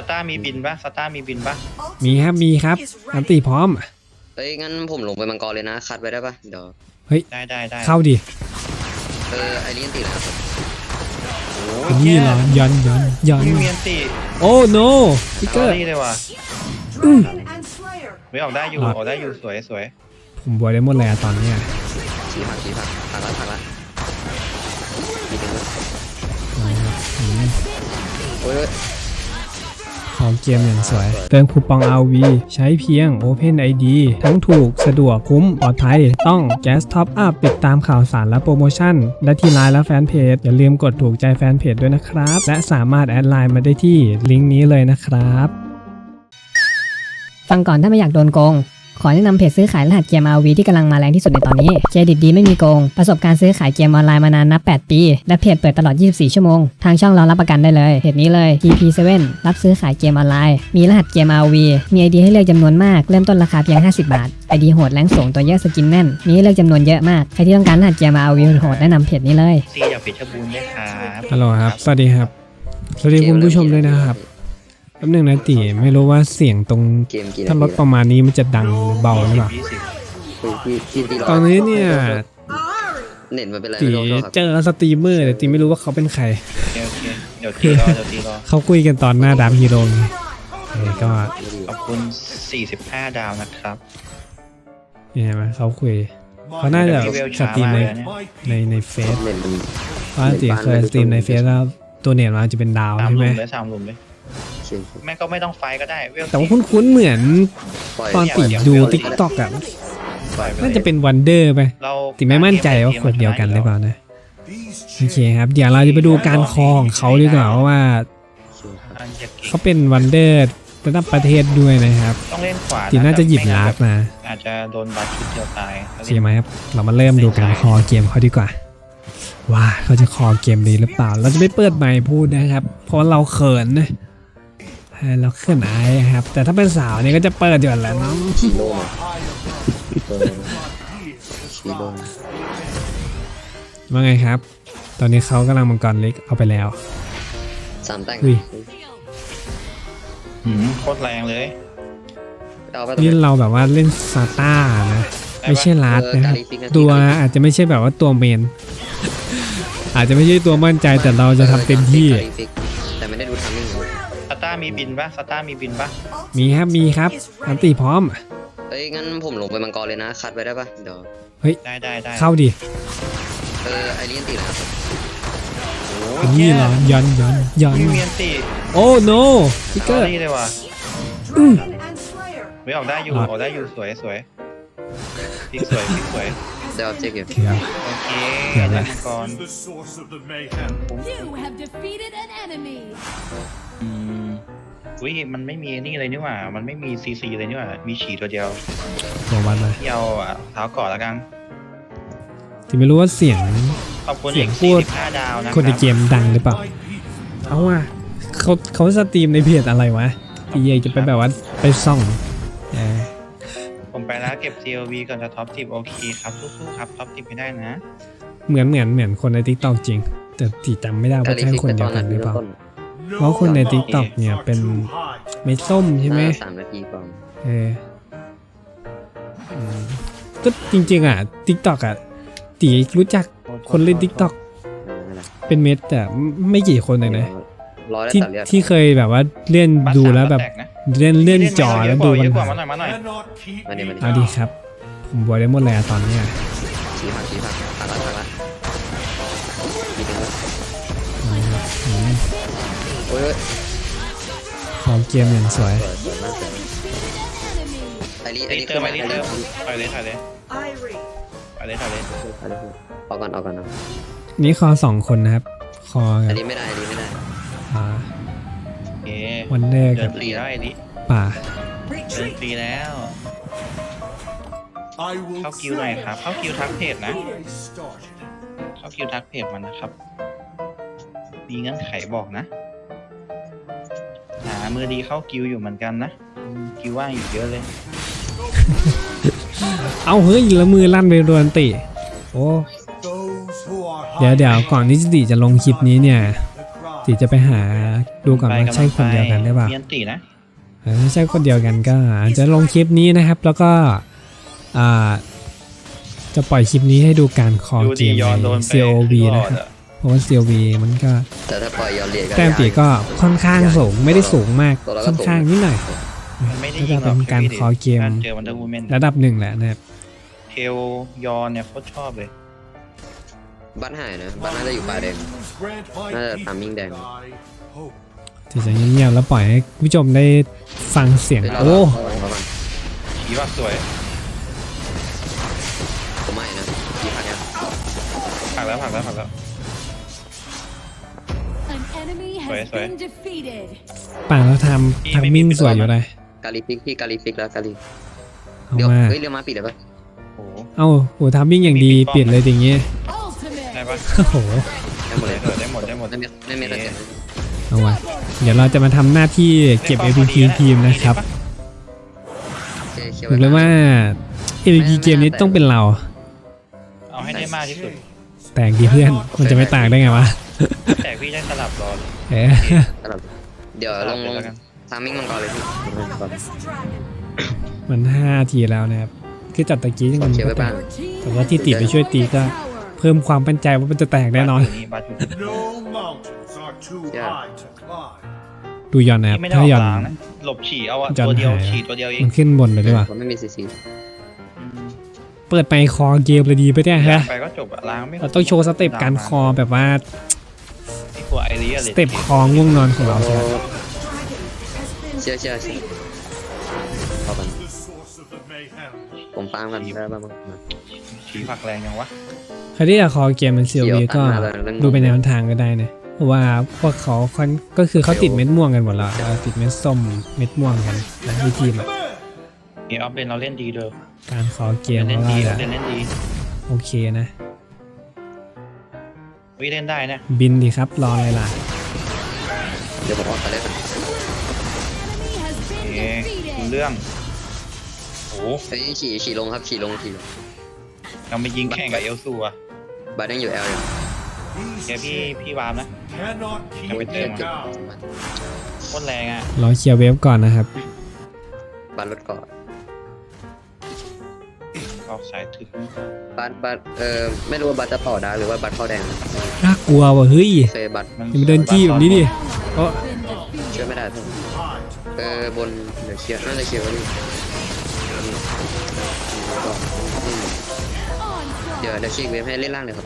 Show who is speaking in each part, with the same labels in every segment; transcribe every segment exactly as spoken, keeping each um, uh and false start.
Speaker 1: ตาร์มีบินปะสตาร์มีบินปะ
Speaker 2: มีครับมีครับอันตีพร้อม
Speaker 3: เฮ้ยงั้นผมลงไปมังกรเลยนะคัดไว้ได้ปะเดี๋ยว
Speaker 2: เฮ้ย
Speaker 1: ได้ได้ได้
Speaker 2: เข้าดิ
Speaker 3: เออไอรีนตีแล้ว
Speaker 2: นี่เหรอยันยันยัน
Speaker 1: มีเมียนตี
Speaker 2: โอ้ no พิกเกอร์
Speaker 1: นี่เลยว่ะไม่ออกได้อยู่ออกได้อยู่สวยสวย
Speaker 2: ผมบวยได้หมดเลยอะตอนนี้
Speaker 3: ชี้ผักชี้ผักผักละผักละโอ้ย
Speaker 2: ของเกมอย่างสวยเติมคูปอง อาร์ วี ใช้เพียง Open ไอ ดี ทั้งถูกสะดวกคุ้มปลอดภัยต้อง Gas Top Up ติดตามข่าวสารและโปรโมชั่นและที่ไลน์และแฟนเพจอย่าลืมกดถูกใจแฟนเพจด้วยนะครับและสามารถแอดไลน์มาได้ที่ลิงก์นี้เลยนะครับ
Speaker 4: ฟังก่อนถ้าไม่อยากโดนโกงขอแนะนำเพจซื้อขายรหัสเกม อาร์ วี ที่กำลังมาแรงที่สุดในตอนนี้เครดิตดีไม่มีโกงประสบการณ์ซื้อขายเกมออนไลน์มานานนับแปดปีและเพจเปิดตลอดยี่สิบสี่ชั่วโมงทางช่องเรารับประกันได้เลยเพจนี้เลย ที พี เซเว่น รับซื้อขายเกมออนไลน์มีรหัสเกม อาร์ วี มี ไอ ดี ให้เลือกจำนวนมากเริ่มต้นราคาเพียงห้าสิบบาท ไอ ดี โหดแรงสูงตัวเยอะสกินแน่นมีให้เลือกจำนวนเยอะมากใครที่ต้องการรหัสเกม อาร์ วี โหดแนะนำเพจนี้เลย
Speaker 1: ซีจากเพชรบูรณ์ด้วยครับ
Speaker 2: ฮัลโหลครับสวัสดีครับสวัสดีคุณผู้ชมด้วยนะครับแป๊บนึงนะตีไม่รู้ว่าเสียงตรงถ้าลดประมาณนี้มันจะดังหรือเบาหรือเปล่าตอนนี้เนี่ย
Speaker 3: เน็ตมันเป็นไร
Speaker 2: ตีเจอสตรีมเมอร์แต่ตีไม่รู้ว่าเขาเป็นใคร
Speaker 1: เดี๋ยวตีรอเดี๋ยวตีรอ
Speaker 2: เขาคุยกันตอนหน้าดามฮีโร่ก็
Speaker 1: ขอบคุณสี่สิบห้าดาวนะครับ
Speaker 2: เห็นไหมเขาคุยเขาน่าจะสตรีมในในในเฟซเพราะตีเคยสตรีมในเฟซแล้วตัวเน็ตมันจะเป็นดาวใช่ไหม
Speaker 1: สามหลุมเลยแม่ก็ไม่ต้องไฟก็ได้
Speaker 2: แต่ว่าคุ้นๆเหมือนตอนตีดูติ๊กต็อกอะน่าจะเป็นวันเดอร์ไปตีไม่มั่นใจว่าคนเดียวกันหรือเปล่านะโอเคครับเดี๋ยวเราจะไปดูการคลองเขาดีกว่าว่าเขาเป็นวันเดอร์ระดับประเทศด้วยนะครับ
Speaker 1: ต้องเล่นขวา
Speaker 2: ตีน่าจะหยิบลาดมา
Speaker 1: อาจจะโดนบัตรชุดเดียวตาย
Speaker 2: ใช่ไหมครับเรามาเริ่มดูการคลองเกมเขาดีกว่าว่าเขาจะคลองเกมดีหรือเปล่าเราจะไม่เปิดไมค์พูดนะครับเพราะเราเขินนะเราเขินอายครับแต่ถ้าเป็นสาวเนี่ยก็จะเปิดอยู่แล้วเนาะ
Speaker 3: ชีโร่ชีโร่
Speaker 2: ว่าไงครับตอนนี้เขากำลังมังกรเล็กเอาไปแล้ว
Speaker 3: สามแต่ง
Speaker 1: โคตรแรงเลย
Speaker 2: นี่เราแบบว่าเล่นซาต้านะไม่ใช่ลาดนะครับตัวอาจจะไม่ใช่แบบว่าตัวเมนอาจจะไม่ใช่ตัวมั่นใจแต่เราจะทำเต็มที่
Speaker 3: แต่ไม่ได้ดูทำนิ่ง
Speaker 1: สตาร์มีบินปะสตาร์มีบินปะ
Speaker 2: มีครับมีครับอันตีพร้อม
Speaker 3: เฮ้ยงั้นผมลงไปมังกรเลยนะคัดไว้ได้ปะเดี๋ยว
Speaker 2: เฮ้ย
Speaker 1: ได้ได้ได้
Speaker 2: เข้าดิ
Speaker 3: เออไอรีนตีแล้ว
Speaker 2: นี่เหรอยันยันยัน
Speaker 1: มีเมียนตี
Speaker 2: โอ้ no พิกเกอร์
Speaker 1: นี่เลยว่ะไม่ออกได้อยู่ออกได้อยู่สวยสวยพิกสวยพิกสวย
Speaker 3: เดี๋ยวเจ๊กอยู่
Speaker 1: โอเคเดี๋ยวนะก่อนอืมอุ้ยมันไม่มีนี่เลยนี่หว่ามันไม่มีซีซีเลยนี่หว่ามีฉี่ตัวเดียว
Speaker 2: ตัววันเลย
Speaker 1: ที่เอาเท้าก่อนแล้วกัน
Speaker 2: ที่ไม่รู้ว่าเสียง
Speaker 1: เสียงพูด
Speaker 2: คนในเกมดังหรือเปล่าเอาว่าเขาเขาสตรีมในเพจอะไรวะที่ยังจะไปแบบว่าไปส่อง
Speaker 1: ผมไปแล้วเก็บ จี โอ วี ก่อนจะท็อปสิบโอเคครับสู้ๆครับท็อปสิบไม่ได้นะ
Speaker 2: เหมือนเหมือนเหมือนคนใน TikTok จริงแต่ที่จำไม่ได้ว่าใช่คนเดียวกันหรือเปล่าเพราะคนใน TikTok เนี่ยเป็นไม่ส้มใช่ไหม
Speaker 3: สามนาทีก่อน
Speaker 2: เออก็จริงๆอ่ะ TikTok อ่ะตีรู้จักคนเล่น TikTok เป็นเม็ดแต่ไม่กี่คนเลยนะที่ที่เคยแบบว่าเล่นดูแล้วแบบเล่นเล่นจอแล้วดูมัน
Speaker 1: มาหน่อยมาหน่อย
Speaker 2: เอาดีครับผมบวยได้หมดเลยตอนนี้
Speaker 3: ชี้ผักชี้ผักผักละผักละโอ้ย
Speaker 2: ของเกมอย่างสวย
Speaker 3: ไอรีไอรี
Speaker 1: เติมไอรีเติมไปเลยถ่ายเลยไปเลยถ่ายเลย
Speaker 3: เอาก่อนเอาก่อนนะ
Speaker 2: นี่คอสองคนนะครับคอ
Speaker 3: อันนี้ไม่ได้อันนี้ไม่ได้
Speaker 2: อ่า
Speaker 1: เอ๊ะ
Speaker 2: วันแรก
Speaker 1: เดินฟรีแล้วไอ้นี่
Speaker 2: ป่า
Speaker 1: เดินฟรีแล้วเข้าคิวหน่อยครับเข้าคิวทักเพจนะเข้าคิวทักเพจมันนะครับมีเงื่อนไขบอกนะหามือดีเข้าคิวอยู่เหมือนกันนะคิวว่างอยู่เยอะเลย
Speaker 2: เอาเฮ้ยละมือลั่นไปโดนติโอ้เดี๋ยวเดี๋ยวก่อนที่จิติจะลงคลิปนี้เนี่ยตีจะไปหาดูก่อนว่าใช่คนเดียวกันหรือเปล่า
Speaker 1: มีอันตีนะ
Speaker 2: เออถ้าใช่คนเดียวกันก็อาจจะลงคลิปนี้นะครับ แล้วก็อ่าจะปล่อยคลิปนี้ให้ดูการคอ
Speaker 1: ดู
Speaker 2: เก
Speaker 1: ดี
Speaker 2: ม
Speaker 1: ยอนโด
Speaker 2: ใน
Speaker 1: นไป
Speaker 2: ซี โอ วี นะครับเพราะว่า ซี โอ วี มันก็
Speaker 3: แต่ถ้าปล่อยย้อนเรียนก็
Speaker 2: แต้มตีก็ค่อนข้างสูงไม่ได้สูงมาก
Speaker 3: ตัวเราก็
Speaker 2: ค่อนข้างนิดหน่อย
Speaker 1: มันไม่ได้
Speaker 2: ก็
Speaker 1: ยิ
Speaker 2: จะ
Speaker 1: งหร
Speaker 2: เป็
Speaker 1: อก
Speaker 2: นการคอเกม
Speaker 1: การเจอวันเดอร์วูแมน
Speaker 2: ระดับหนึ่งแหละนะครับ
Speaker 1: เทลยอนเนี่ยโคตรชอบเลย
Speaker 3: บัตหายนะบัตน่าจะอยู่ป่าแดง น่าจะทำมิ่งแดง
Speaker 2: ที่จะเงียบๆแล้วปล่อยให้ผู้ชมได้ฟังเสียง
Speaker 3: เฮ้ยเรา
Speaker 2: โอ้
Speaker 3: เราเรา
Speaker 1: ขี่ว่าสวย
Speaker 3: ผมไม่นะกี่พันเนี่ย
Speaker 1: ผลักแล้วผลักแล้วผลักแล้ว
Speaker 5: An enemy has
Speaker 1: Sorry, sorry.
Speaker 5: been defeated.
Speaker 2: ป่าแล้วทำทำมิ่งสวยอยู่เลย
Speaker 3: กาลิฟิกพี่กาลิฟิกแล้วกาลิ
Speaker 2: เอา
Speaker 3: เดี๋ยว
Speaker 2: มา
Speaker 3: เฮ้ยเรียวมาปิดเลยปะ
Speaker 1: โอ้โห
Speaker 2: เอ้าโหทำมิ่งอย่างดีเปลี่ยนเลยอย่างเงี้ย
Speaker 5: Ultimate.
Speaker 1: ได้ปะ
Speaker 2: โอ้โห
Speaker 3: ได้หมดเลย
Speaker 1: ได้หมดได้หมด
Speaker 3: ได้
Speaker 1: ได้หมด
Speaker 3: เม็ดได้เม็ดแต่
Speaker 2: เอาวะเดี๋ยวเราจะมาทำหน้าที่เก็บ เอ พี พี ทีมนะครับ
Speaker 3: โอเคเคียว
Speaker 2: บอกเลยว่า เอ พี พี เกมนี้ต้องเป็นเรา
Speaker 1: เอาให้ได้มากที่สุด
Speaker 2: แตกดีเพื่อน มันจะไม่ต่างได้ไงวะ
Speaker 1: แต่พี่ได้สลับรอเลย
Speaker 2: เอ๊ะ
Speaker 3: เดี๋ยวลงลง
Speaker 1: แล้วกัน
Speaker 3: ทามมิ่งมังกรเลยพี่
Speaker 2: มันห้าทีแล้วนะครับ คือจัดตะกี้ยัง
Speaker 3: ขอ
Speaker 2: มัน
Speaker 3: เคียวไว้
Speaker 2: ก็แต
Speaker 3: บ้าง
Speaker 2: ก แต่ว่าที่ติไปช่วยตีก็ เพิ่มความมั่นใจว่ามันจะแตกแน่นอน
Speaker 1: บาสอยู่นี่
Speaker 6: No mountains are too
Speaker 3: Yeah.
Speaker 6: high to climb.
Speaker 2: ดูยอนนะครับ
Speaker 1: ไม่ได้อ
Speaker 2: ถ้า
Speaker 1: อก
Speaker 2: ยอน
Speaker 1: ล้างนะหลบฉี่เอาอะ
Speaker 2: ยอน
Speaker 1: ตัวเดียว
Speaker 2: หาย
Speaker 1: ฉี่ตัวเดียวเอง
Speaker 2: มันขึ้นบนเลยดีกว่า
Speaker 3: ผมไม่มีซีซี
Speaker 2: เปิดไปคอเกมเลยดีไปเนี่ยฮะ
Speaker 1: ไปก็จบอะล้างไม่
Speaker 2: เราต้องโชว์สเต็ปการคอแบบว่า
Speaker 1: ไอ้ตัวไอเรีย
Speaker 2: สเต็ปคอง่วงนอนของเราใช่ไหม
Speaker 3: เชื่อเชื่อเชื่อพอกัน
Speaker 6: The source of the mayhem.
Speaker 3: ผมฟังกันได้บ้างมั้ง
Speaker 1: ฉี่ผักแรงยังวะ
Speaker 2: ใครที่อยากคอเกมเป็นซี
Speaker 3: เดี๋
Speaker 2: โอ
Speaker 3: ยว
Speaker 2: วีก็
Speaker 3: ตัดมาเลยเรื่อง
Speaker 2: ดูไปแนวทางก็ได้นะเพราะว่าพวกเขาค่อนก็คือเขาติดเม็ดม่วงกันหมดแล้วเออติดเม็ดส้มเม็ดม่วงกันนะที่ทีมอะ
Speaker 1: นี่ออฟเลนเราเล่นดีเด้อ
Speaker 2: การคอเกม
Speaker 1: เล่น
Speaker 2: ว่า
Speaker 1: ดีเรา
Speaker 2: จะ
Speaker 1: เล่นเล่นดี
Speaker 2: โอเคนะ
Speaker 1: วิเล่นได้นะ
Speaker 2: บินดีครับรออะไรล่ะ
Speaker 3: เดี๋ยวผมออกไปเลยกัน
Speaker 5: Enemy has
Speaker 1: เอ๊
Speaker 5: been
Speaker 1: ดู
Speaker 5: defeated.
Speaker 1: เรื่องโอ้โห
Speaker 3: เฮ้ยขี่ขี่ลงครับขี่ลงขี่ลง
Speaker 1: เราไปยิงแข่งกับเอลซูอะ
Speaker 3: บัตยังอยู่แอลอยู่
Speaker 1: เดี๋ยวพี่พี่วามนะ
Speaker 6: Cannot keep
Speaker 1: Every
Speaker 6: me
Speaker 1: time.
Speaker 6: down.
Speaker 1: โคตรแรงอะ
Speaker 2: รอเคลียร์เวฟก่อนนะครับ
Speaker 3: บัตรถเกาะ
Speaker 1: ออกสายถึง
Speaker 3: บัตบัตเออไม่รู้ว่าบัตจะต่อได้หรือว่าบัตเข้าแดง
Speaker 2: น่ากลัวว่ะเฮ้ย
Speaker 3: เคยบัต
Speaker 2: อย่ามาเดินจี้แบบนี้ดิเพราะ
Speaker 3: เชื่อไม่ได้เพื่อน
Speaker 6: High to
Speaker 3: เออบนเดี๋ยวเคลียร์น่าจะเคลียร์ไว้ดิเดี๋ยวเดี๋ยวฉีกเวฟให้เล่นล่างเลยครับ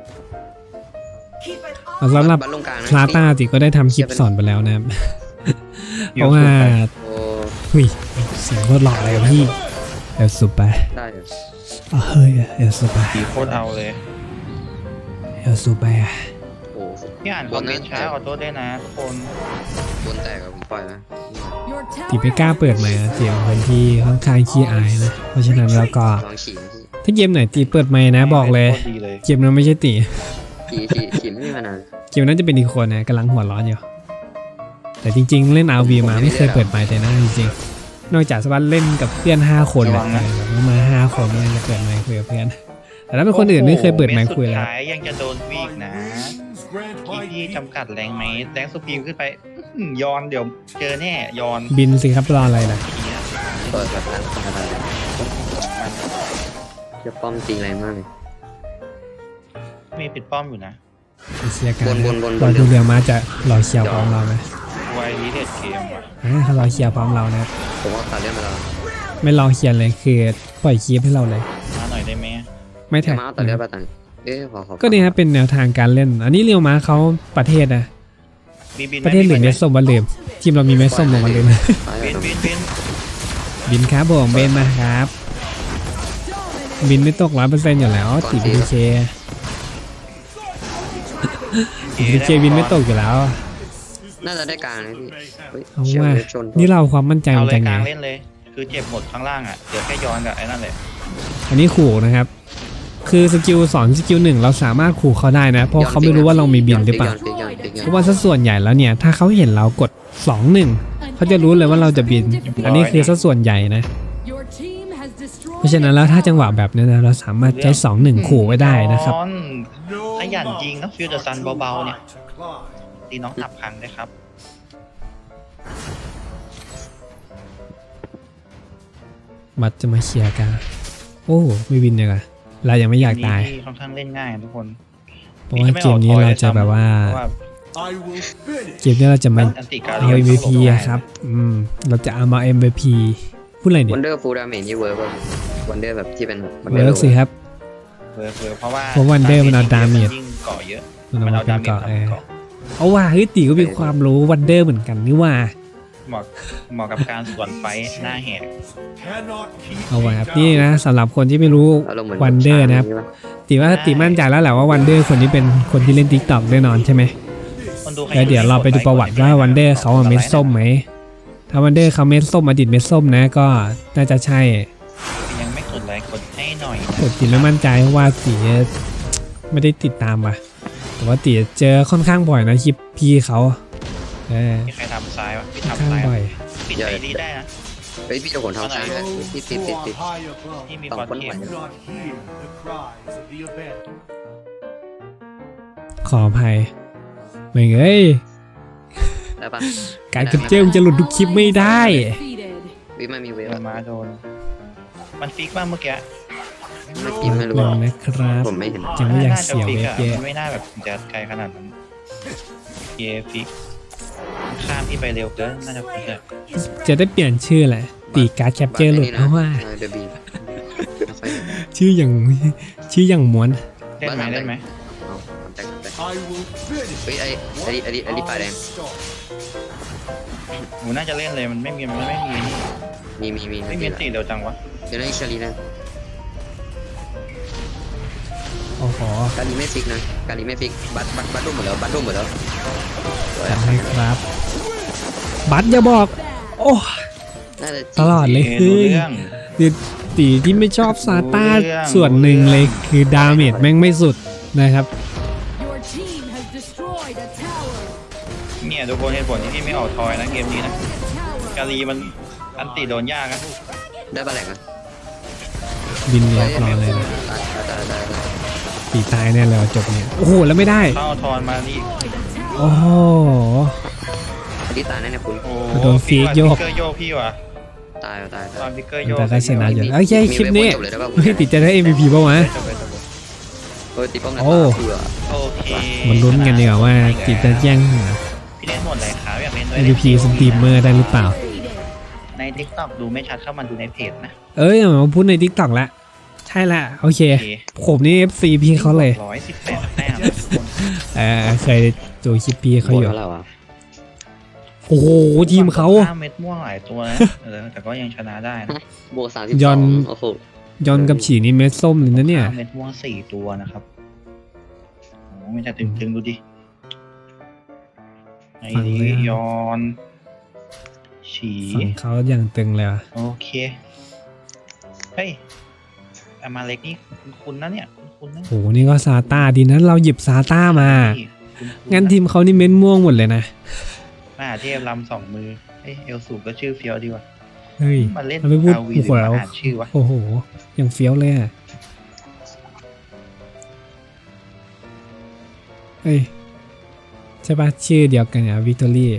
Speaker 2: สำหรับ
Speaker 3: บัตรลงกลางนะ
Speaker 2: คลาต้าติก็ได้ทำคลิปสอนไปแล้วนะครับ เพราะว่า
Speaker 3: โอ้
Speaker 2: หุยเสียงโคตรหล่อเลยอะพี่เอลซูไป
Speaker 3: ได้เหรอ
Speaker 2: อ่ะเฮ้ยเอลซูไป
Speaker 1: ผีโคตรเอาเลย
Speaker 2: เอลซูไปอ่ะ
Speaker 3: โอ้
Speaker 1: พี่อ่านคอมเมนต์ช้าขอโทษด้วยนะทุกคน
Speaker 3: บนแตกกับผมปล่อยนะ
Speaker 5: Your
Speaker 2: ตี
Speaker 5: tower
Speaker 2: ไม่กล้าเปิดไหมค์อะเสียงคนที่ค่อนข้างขี้อายนะ เพราะฉะนั้นแล้วก็
Speaker 3: ลองฉี่พี่
Speaker 2: ถ้าเกมไหนตีเปิดไมค์นะบอกเลย
Speaker 1: โคตรดีเลย
Speaker 2: เกมนั้นไม่ใช่ตี
Speaker 3: ฉี่ฉี่ฉี่ไม่มีมานาน
Speaker 2: เกมนั้นจะเป็นอีกคนนะกำลังหัวร้อนอยู่ แต่จริงๆ เล่น อาร์ วี มาไม่เคยเปิดไมค์เลยนะจริงๆ นอกจากสวัสดเล่นกับเพื่อนห้าคนนะแบบว่ามาห้าคนเนี่ยจะเปิดไมค์คุยกับเพื่อน แต่ถ้าเป็นคนอื่นไม่เคยเปิดไมค์คุย
Speaker 1: โอ้โห
Speaker 2: แล้ว
Speaker 1: เม็ดสุดท้ายยังจะโดนวีกนะ
Speaker 6: grant
Speaker 1: พี่
Speaker 6: my
Speaker 1: พี่
Speaker 6: people
Speaker 1: จำกัดแรงไหมแรงสุพีมขึ้นไปอื้อหือยอนเดี๋ยวเจอแน่ยอน
Speaker 2: บินสิครับรออะไรล่ะ
Speaker 1: เหี้ย
Speaker 3: เปิดแบบนั้นอะไรจะป้อมตีแรงมากเลย
Speaker 1: มีปิดป้อมอยู่นะ
Speaker 2: เชียร์กัน
Speaker 3: บนบนบนบน
Speaker 2: รอดูเรียวมาจะรอเคลียร์พร้อมเราไหม
Speaker 1: ไวรีเดดเกมว่ะ
Speaker 2: อ่าเขารอเคลียร์พร้อมเรานะครับ
Speaker 3: ผมว่าขาดเรื่องมาแล้ว
Speaker 2: ไม่รอเคลียร์เลยคือปล่อยคลิปให้เราเลย
Speaker 1: มาหน่อยได้ไหม
Speaker 2: ไม่แท็ก
Speaker 3: มาเอาตัดเลือดปะตังเอ๊ะขอขอ
Speaker 2: ก็นี่ครับเป็นแนวทางการเล่น อันนี้เรียวมาเขาประเทศนะ
Speaker 1: บินบิน
Speaker 2: ประเทศหรือเมสส้มวันลืมทีมเรามีเมสส้มลงวันลืม
Speaker 1: บินบินบิน
Speaker 2: บินครับผมเบนมาครับ บินไม่ตกร้อยเปอร์เซ็นต์อยู่แล้วติดพีเคติดพีเคบินไม่ตกอยู่แล้ว
Speaker 3: น่าจะได้กลางนะพี่เฮ้ย
Speaker 2: เอา
Speaker 3: เชี่ยว
Speaker 2: ว่า
Speaker 3: เวฟชน
Speaker 2: นี่เราความมั่นใจ
Speaker 1: เอา
Speaker 2: มัน
Speaker 1: เลย
Speaker 2: จะ
Speaker 1: ก
Speaker 2: ไง
Speaker 1: ลางเล่นเลย คือเจ็บหมดข้างล่างอ่ะเดี๋ยวแค่ย้อนกับไอ้นั่นแหละ
Speaker 2: อันนี้ขู่นะครับ คือสกิลสอนสกิลหนึ่งเราสามารถขู่เขาได้นะ เพราะเขาไม่รู้ว่าเรามีบินหรือเปล่า
Speaker 3: ย้นฟิกย้อนฟิกย้อนฟิกย้อน
Speaker 2: เพราะว่าสัดส่วนใหญ่แล้วเนี่ย ถ้าเขาเห็นเรากดสองหนึ่งเขาจะรู้เลยว่าเราจะบิน อันนี้คือสัดส่วนใหญ่นะ
Speaker 5: Your team has destroyed
Speaker 2: เพราะฉะนั้นแล้วถ้าจังหวะแบบนี้นะเราสามารถใช้สองหนึ่งขู่ไว้ได้นะครับ
Speaker 1: ย้อน
Speaker 6: No
Speaker 1: ขยันยิงนะฟิลเดอร์ซัน
Speaker 6: mountains are
Speaker 1: เบา
Speaker 6: too
Speaker 1: ๆเนี่ย
Speaker 6: high to climb.
Speaker 1: ตีน้องตับพังด้วยครับ
Speaker 2: บัตรจะมาเคลียร์กันโอ้ไม่วินเลยอะเรายังไม่อยากตาย
Speaker 1: ที่ค่อนข้างเล่นง่ายทุกคน
Speaker 2: เพราะว่าเกมนี้เราจะแบบว่า
Speaker 1: เพราะว่า
Speaker 6: I will finish.
Speaker 2: เกมนี้เราจะมา
Speaker 1: อันติการ
Speaker 2: เอา เอ็ม วี พี อะครับอืมเราจะเอามา เอ็ม วี พี พูดอะไรเนี่
Speaker 3: วั
Speaker 2: ย
Speaker 3: นเดอร์ฟูลดาเมจนี่เวิร์กป่ะวันเดอร์แบบที่เป็นวันเดอ
Speaker 2: เวิ
Speaker 3: ร์
Speaker 2: ร์กสิครับ
Speaker 1: เวิร์กเวิร์กเพราะว่า
Speaker 2: เพราะ Wonder มันเอา damage
Speaker 1: ยิ่งเกาะเยอะ
Speaker 2: มัน
Speaker 1: มัน
Speaker 2: เอา
Speaker 1: เอา
Speaker 2: มาเป็น
Speaker 1: ดาเมจ
Speaker 2: เกาะ
Speaker 1: ทำ
Speaker 2: เออ
Speaker 1: เกาะ
Speaker 2: เอาว่าเฮ้ยตีก็มีความรู้วันเดอร์เหมือนกันนี่ว่า
Speaker 1: เหมาะเหมาะกับการสวนไฟหน้าแหก
Speaker 6: Cannot keep
Speaker 2: เอาไว้
Speaker 6: me
Speaker 2: ครับ
Speaker 6: down.
Speaker 2: นี่นะสำหรับคนที่ไม่รู้
Speaker 3: อารมณ์เหมือน
Speaker 2: วันเดอร์นะครับ ตีว่าตีมั่นใจแล้วแหละว่าวันเดอร์คนนี้เป็นคนที่เล่น TikTok แน่นอนใช่ไหม
Speaker 1: คนดูใคร
Speaker 2: แล้วเดี๋ยวเราไปดูประวัติว่าวันเดอร์เขาอะเม็ดส้มไหมถ้าวันเดอร์เขาเม็ดส้มอดีตเม็ดส้มนะก็น่าจะใช่
Speaker 1: ยังไม่กดไลค์กดให้หน่อยนะ
Speaker 2: แต่ตีไม่มั่นใจเพราะว่าตีไม่ได้ติดตามว่ะแต่ว่าตีเจอค่อนข้างบ่อยนะคลิปพี่เขาเออ
Speaker 1: มีใครทำซ้ายวะพี่
Speaker 2: ค่อน
Speaker 1: ทำ
Speaker 2: ข้าง
Speaker 1: ซ้าย
Speaker 2: บ่อย
Speaker 1: ปิดไอรีได้นะ
Speaker 3: เฮ้ยพี่จะขนทำซ้ายนะ
Speaker 6: Those
Speaker 3: ติดติด
Speaker 6: who
Speaker 3: ติด
Speaker 6: are
Speaker 3: ติด
Speaker 6: high above
Speaker 1: ที่มี
Speaker 3: สอง
Speaker 1: บอล
Speaker 3: คน
Speaker 1: เกม
Speaker 3: ไหว
Speaker 6: do not hear the cries of the abandoned.
Speaker 2: ขออภัยไม่เอ้ย
Speaker 3: ได้ปะ
Speaker 2: การกระเจิมจะหลุดทุกคลิปไม่ได้
Speaker 5: Defeated.
Speaker 3: วิไม่มีเวล
Speaker 1: โดนมาโดน มันฟิกบ้างเมื่อกี้
Speaker 3: ไม่กินไม่รู้
Speaker 2: ลองนะครับ
Speaker 3: ผมไม่เห็น
Speaker 2: จะไม่อยาก
Speaker 1: น่าจะ
Speaker 2: เสีย
Speaker 1: ฟิก
Speaker 2: เวฟ
Speaker 1: อะ
Speaker 2: เยอะ
Speaker 1: มันไม่น่าแบบจะไกลขนาดนั้นเยฟิกข้ามที่ไปเร็วเกินน่าจะฟิกอะ
Speaker 2: จะได้เปลี่ยนชื่อแหละตีการ์ดแคปเจอร์หลุดเพราะว่า
Speaker 3: เดบีไม่ค่อยเห็น
Speaker 2: ชื่ออย่างชื่ออย่างม้วน
Speaker 1: เล่นไหมเล่นไหม
Speaker 3: เอาทำแต่แต่
Speaker 6: I will finish.
Speaker 3: เฮ้ยไอ้ไอ้ไอ้ไอ้ไอ้ปลาแดง
Speaker 6: Unstoppable.
Speaker 1: หนูน่าจะเล่นเลยมันไม่มีมันไม่มีนี่
Speaker 3: มีมีมี
Speaker 1: ไม่มีตีเร็วจังวะ
Speaker 3: เดี๋ยวนะอิชาลีนะ
Speaker 2: โอ้โห
Speaker 3: กาลีไม่ฟิกนะกาลีไม่ฟิกบัตบัตบัตรุ่มหมดแล้วบัตรุ่มหมดแล้ว
Speaker 2: จัดให้ครับ บัตรอย่าบอก โอ้
Speaker 3: น่าจะ
Speaker 2: ตลอดเลย
Speaker 1: เอ
Speaker 2: คือ
Speaker 1: รู้เรื่อง
Speaker 2: คือตีที่ไม่ชอบซาต้า
Speaker 1: รู้เรื่อง
Speaker 2: ส่วนหนึ่งเลยคือดาเมจแม่งไม่สุดนะครับ
Speaker 5: Your team has destroyed a tower.
Speaker 1: เนี่ยทุกคนเหตุผลที่พี่ไม่ออกทอยนะเกมนี้นะ
Speaker 5: Tower.
Speaker 1: กาลีมันอันติโดนยากนะ
Speaker 3: ได้ปลาแหลกนะ
Speaker 2: บินล็อกรอเลยนะ
Speaker 3: ได้ได้ได้ได้
Speaker 2: ตีตายแน่เลยว่ะจบเนี่ย โอ้โห แล้วไม่ได้
Speaker 1: เข้าทอนมาดิ
Speaker 2: โอ้โห
Speaker 3: อันนี้ตายแน่เนี่ยคุณ
Speaker 1: โอ้
Speaker 2: โดนฟีกโยก
Speaker 1: ฟิกเกอร์โยกพี่ว่ะ
Speaker 3: ตายตาย
Speaker 1: ต
Speaker 3: ตา
Speaker 1: อยนฟิกเกอร์โยก
Speaker 2: แต่ก็ชนะอยู่โอเคคลิปนี้
Speaker 3: จบเลยได้ป่ะ
Speaker 2: เฮ้ยติดจะได้ เอ็ม วี พี ป่าวะ
Speaker 1: จบเลยจบเลย
Speaker 3: เออตีป้อมแล้ว
Speaker 2: โอ้
Speaker 3: เผื่อ
Speaker 1: โอเค
Speaker 2: มันลุ้นกันดีกว่าว่าติดจะแย่ง
Speaker 1: พี่เล่นหมดเลยครับอยากเล่นด้วย
Speaker 2: เอ็ม วี พี สตรีมเมอร์ได้หรือเปล่า
Speaker 5: Defeated.
Speaker 1: ใน TikTok ดูไม่ชัดเข้ามาดูในเพจนะ
Speaker 2: เอ้ยมาพูดใน TikTok ละใช่ละโอเค
Speaker 1: โอเค
Speaker 2: ผมนี่ เอฟ ซี พี่เขาเลย
Speaker 1: ร้อยสิบแปดแต้มนะทุกคน
Speaker 2: เออเคยดูคลิปพี่เขาอยู่
Speaker 3: หมดแล้วเหรอ
Speaker 2: โอ้โห ทีมเขา
Speaker 1: ห้าเม็ดม่วงหลายตัวนะเออแต่ก็ยังชนะได้นะ
Speaker 3: บวกสามสิบ
Speaker 2: ย
Speaker 3: ส
Speaker 2: อ
Speaker 3: อน งโอ้โห
Speaker 2: ยอนกับฉีนี่เม็ดส้มเลยนะเนี่ย
Speaker 1: ห้าเม็ดม่วงสี่ตัวนะครับโอ้ไม่จะตึงๆดูดิไอ้
Speaker 2: ฟังเลย
Speaker 1: นี่
Speaker 2: อะ
Speaker 1: ยอนฉี
Speaker 2: ฝั่งเขาอย่างตึงเลยว่ะ
Speaker 1: โอเคเฮ้ยอามาเล็กนี่คุณนะเนี่ยคุณนะ
Speaker 2: โอ้โหนี่ก็ซาต้าดีนะเราหยิบซาต้ามา
Speaker 1: คุณๆ
Speaker 2: งั้นทีมเขานี่เม็ดม่วงหมดเลยนะ
Speaker 1: มหาเทพลำสองมือเอ้ยเอลสูก็ชื่อเฟียวดีว่ะ
Speaker 2: เฮ้ย
Speaker 1: มาเล่น
Speaker 2: เราไม่พูด
Speaker 1: อาวี
Speaker 2: โอ้
Speaker 1: ห
Speaker 2: โห
Speaker 1: รือ
Speaker 2: แล้ว
Speaker 1: มาอ่านชื่อวะ
Speaker 2: โอ้โหยังเฟี้ยวเลยอ่ะเฮ้ยใช่ปะชื่อเดียวกันอ่ะวิกตอรี่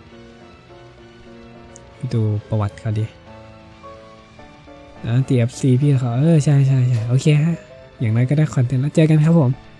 Speaker 2: ไปดูประวัติเขาดิอ่าตี เอฟ ซี พี่เขาเออใช่ใช่ใช่โอเคฮะอย่างไรก็ได้คอนเทนต์แล้วเจอกันครับผม